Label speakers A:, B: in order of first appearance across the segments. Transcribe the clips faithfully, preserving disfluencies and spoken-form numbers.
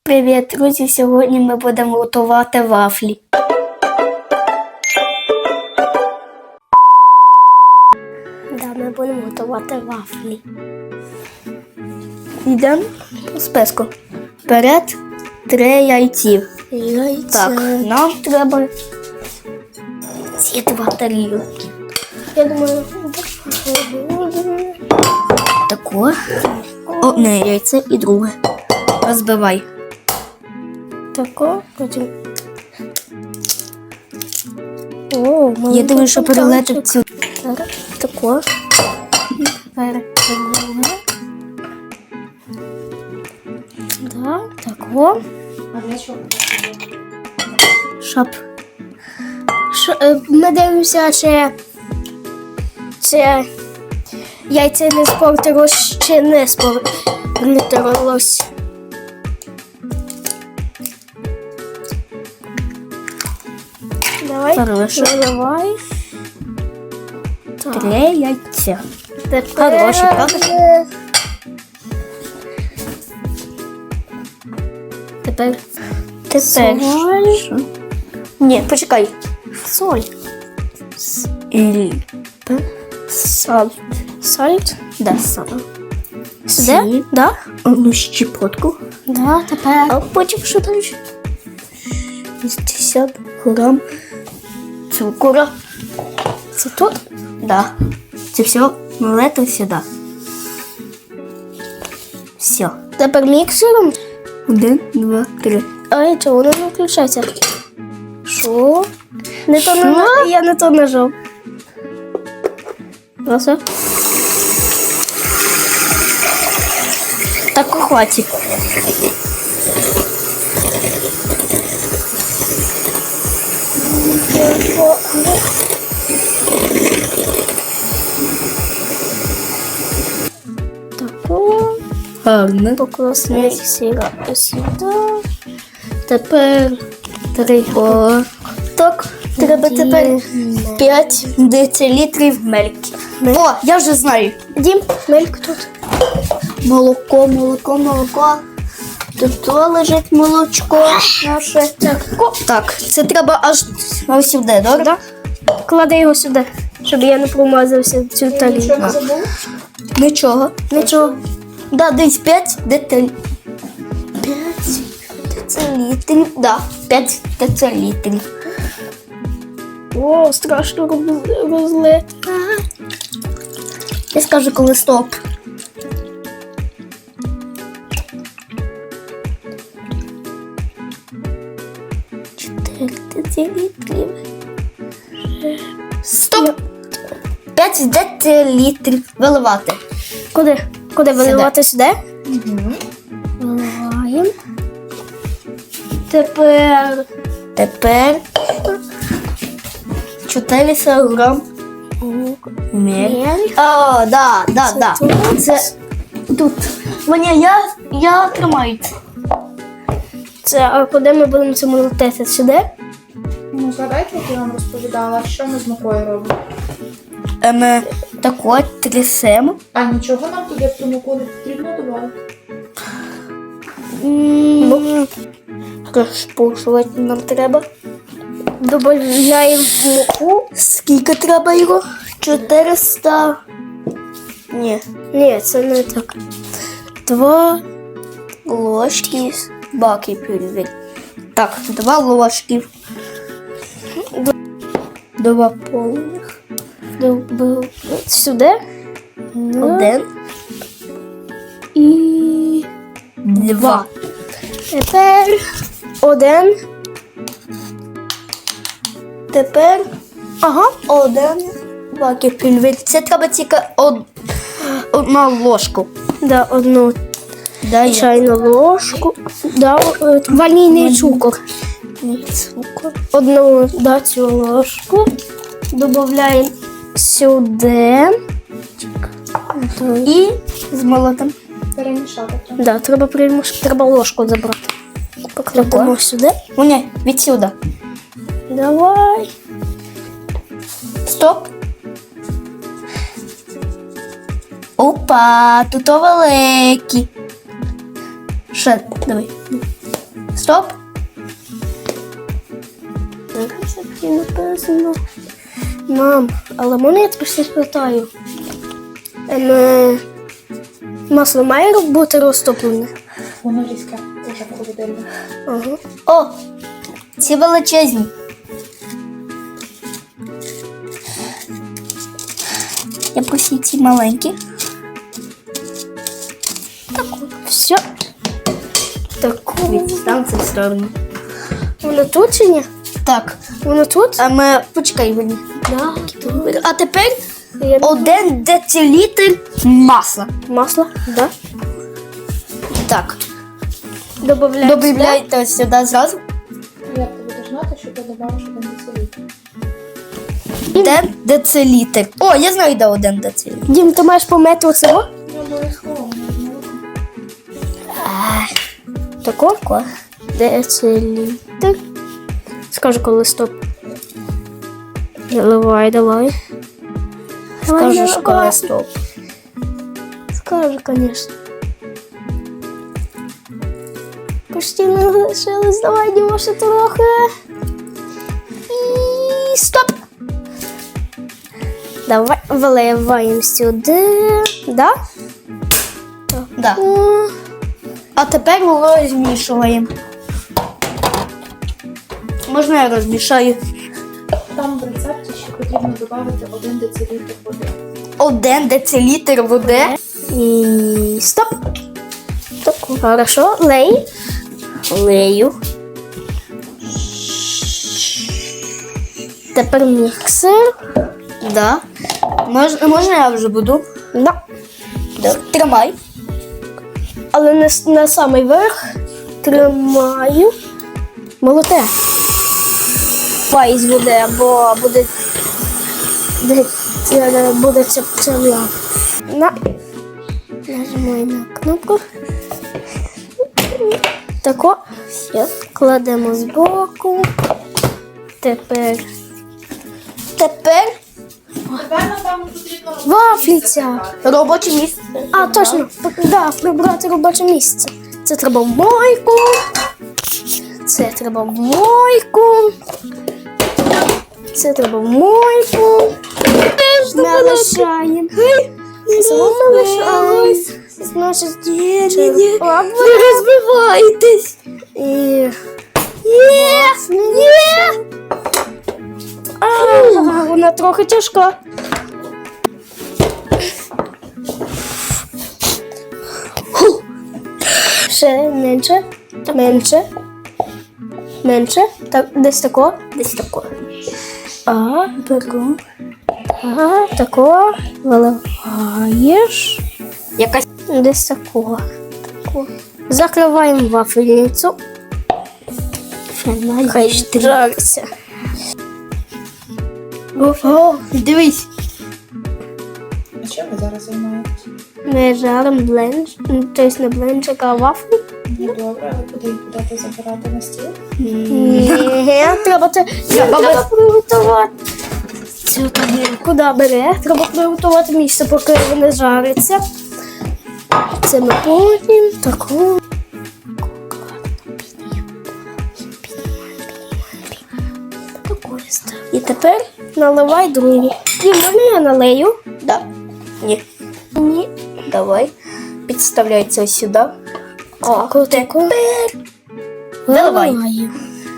A: Привіт, друзі! Сьогодні ми будемо готувати вафлі. Да, ми будемо готувати вафлі. Йдемо по списку. Вперед три яйці. Яйця. Так, нам треба ці два тарілки. Я думаю, тако. Одне яйце і друге. Розбивай. Тако, потім. О, я думаю, що перелетить цю. Тако. Перекладемо. Да, тако.
B: А для чого?
A: Щоб. Що, ми дивимося, чи, чи яйця не спортилось, чи не спортилось. Давай,
B: Хорошо.
A: наливай.
B: Три яйця.
A: Тепер...
B: Хороші, правда?
A: Тепер... Тепер...
B: Соль.
A: Ні, почекай. Соль.
B: І...
A: Сальт. Сальт?
B: Да, соль.
A: Сюди? Да?
B: Одну щепотку.
A: Да, тепер...
B: А потім що там? шістдесят грам цукру.
A: Це тут?
B: Да. Це все налито сюди. Все.
A: Тепер міксером?
B: Один, два, три.
A: Ай, чого воно не включається? Що? Не то на... Я не то нажав. Оце.
B: Так хватить.
A: Тако.
B: Гарно.
A: Покласти міксера сюди. Тепер три.
B: О,
A: Так, треба тепер п'ять
B: децилітрів мельки. О, я вже знаю.
A: Дім, мельк тут.
B: Молоко, молоко, молоко. Тут то лежить молочко наше.
A: Так,
B: Так, це треба аж ось сюди, добре?
A: да? Клади його сюди, щоб я не промазався в цю тарілку.
B: Нічого.
A: Нічого.
B: Да, десь п'ять децилітрів. п'ять децилітрів. Да, п'ять децилітрів.
A: О, страшно роз- розлити.
B: Я скажу, коли стоп. чотири децилітрів. Стоп! п'ять децилітрів виливати.
A: Куди? Куди виливати сюди?
B: Угу.
A: Виливаємо. Тепер
B: Тепер чотириста грам мель.
A: мель.
B: О, да, да, да.
A: тут.
B: Це тут. Ваня, я, я тримаю це.
A: Це, а куди ми будемо це молотити? Сюди?
C: Ну, згадайте, як я вам розповідала, що ми з мукою робимо.
B: Ем, так от, трясемо.
C: А нічого нам туди в ту муку не потрібно додати?
A: Ну, розпушувати нам треба. Добавляємо муку.
B: Скільки треба його? чотириста. Ні.
A: Ні, це не так.
B: Два ложки баки пюрі. Так, два ложки. Два повних.
A: Добав- Сюди.
B: Один.
A: І
B: Два.
A: тепер один.
B: Тепер
A: Ага.
B: один баки пюрі. Це треба тільки од... одну ложку.
A: Да, одну
B: Дай
A: чайну ложку. Да, е, ванільний цукор.
B: цукор.
A: Одну да, цю ложку. Додаємо сюди.
B: І з молотом.
C: Перемішати.
A: Да, треба примуш... треба ложку забрати. Покладемо сюди.
B: О, ні, відсюди.
A: Давай.
B: Стоп. Опа, тут великі. Ще, давай. Стоп.
A: Так, все-таки написано. Мам, але можна я тебе щось питаю? Ем, е, масло має бути розтоплене?
C: Воно різке, дуже холодильне.
A: Ага.
B: О, ці величезні. Я просив ці маленькі.
A: Все. Таку.
B: Відстань це в сторону.
A: Воно тут чи ні?
B: Так,
A: Воно тут?
B: а ми почекай мені.
A: Да.
B: А тепер
A: Я...
B: один децилітр масла.
A: Масло? Да.
B: Так,
A: Добавляємо.
B: добавляйте сюди зразу.
C: Як ти будеш знати, що ти добавиш один децилітр?
B: Один децилітр. О, я знаю, де один децилітр.
A: Дім, ти маєш помити оцього?
C: Не обов'язково, можна руку.
A: Тако? Децилітр. Скажу, коли стоп. Давай, давай.
B: Скажеш, коли стоп.
A: Скажу, конечно. Почти не лишилось. Давай, Дімо, ще трохи. І стоп. Давай, виливаємо сюди. Да?
B: Да.
A: О,
B: А тепер розмішуємо. Можна я розмішаю?
C: Там в рецепті ще потрібно додати один децилітр води.
B: Один децилітр води.
A: І стоп. Стоп. Хорошо, лей.
B: Лею.
A: Тепер міксер.
B: Да. Можна, можна я вже буду?
A: Да.
B: Да. Тримай.
A: Але не с- на самий верх тримаю. Молоте. Файз буде, бо буде. Буде, це- буде ця пчела. На. Нажимаю на кнопку. Тако. Все. Кладемо збоку. Тепер. Тепер
C: Тепер, напевно, потрібно
A: вафліця.
B: Робоче місце.
A: А, точно, да, прибрати робоче місце. Це треба в мойку. Це треба в мойку. Це треба в мойку. Не лишаємо. Це не лишаємо. Значить, черпак.
B: Не розбивайтесь.
A: І...
B: Є! Є!
A: А, вона трохи тяжка. Ще менше, менше, менше, так, десь тако,
B: Десь тако.
A: а, беру, а, тако, виливаєш,
B: Якась.
A: десь тако, тако. Закриваємо вафельницю. Хай жариться.
B: О, дивись.
C: А чим ви зараз займаєтесь?
A: Ми жаримо бленч, тобто не бленчик, а вафлі.
C: Ну добре, а куди їх будете забирати на стіл?
A: Ні, треба це
B: Треба
A: треба приготувати. Цю тарілку, да, бере. Треба приготувати місце, поки вони жаряться. Це ми потім таку. І тепер наливай другу. І можна я налию?
B: Да. Ні.
A: Ні.
B: Давай. Підставляй це сюди. О,
A: Таку.
B: Наливай.
A: Виливаю.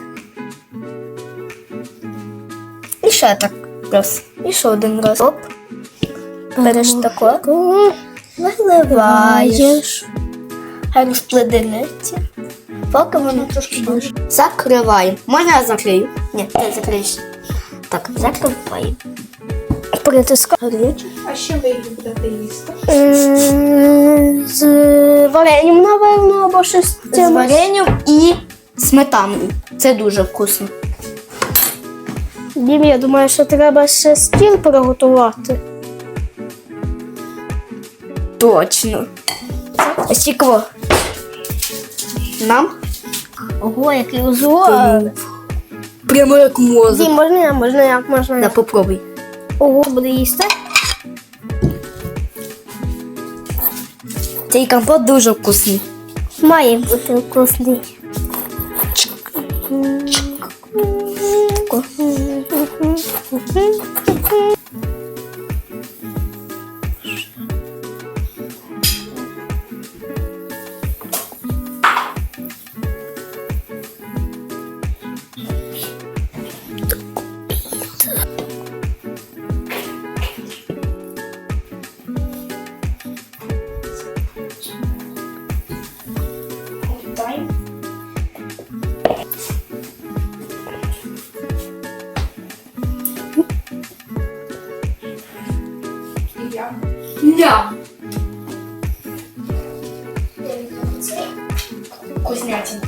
B: І ще так раз. І ще один раз. Оп. Береш тако.
A: Таку.
B: Виливаєш. Хай розпледенеться. Поки воно трошки дуже. Закриваємо. Можна я закрию? Ні, ти закриєш. Так, закриваємо.
A: Притискаю.
C: А з чим ви їх будете їсти?
A: М, З варенням, напевно, або щось з
B: З
A: цим.
B: варенням і сметаною. Це дуже вкусно.
A: Дім, я думаю, що треба ще стіл приготувати.
B: Точно. Ось цікаво. Нам?
A: Ого, який узор.
B: Прямо як мозок.
A: Дім, можна я, можна я, можна
B: Да,
A: я.
B: попробуй.
A: Ого, буде їсти.
B: Цей компот дуже вкусний.
A: Має бути вкусний.
C: І я.
B: Ням. Вкуснятина.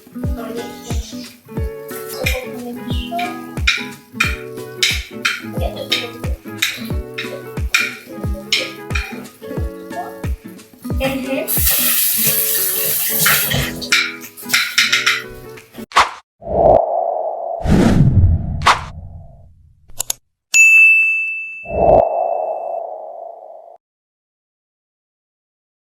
B: Мгм.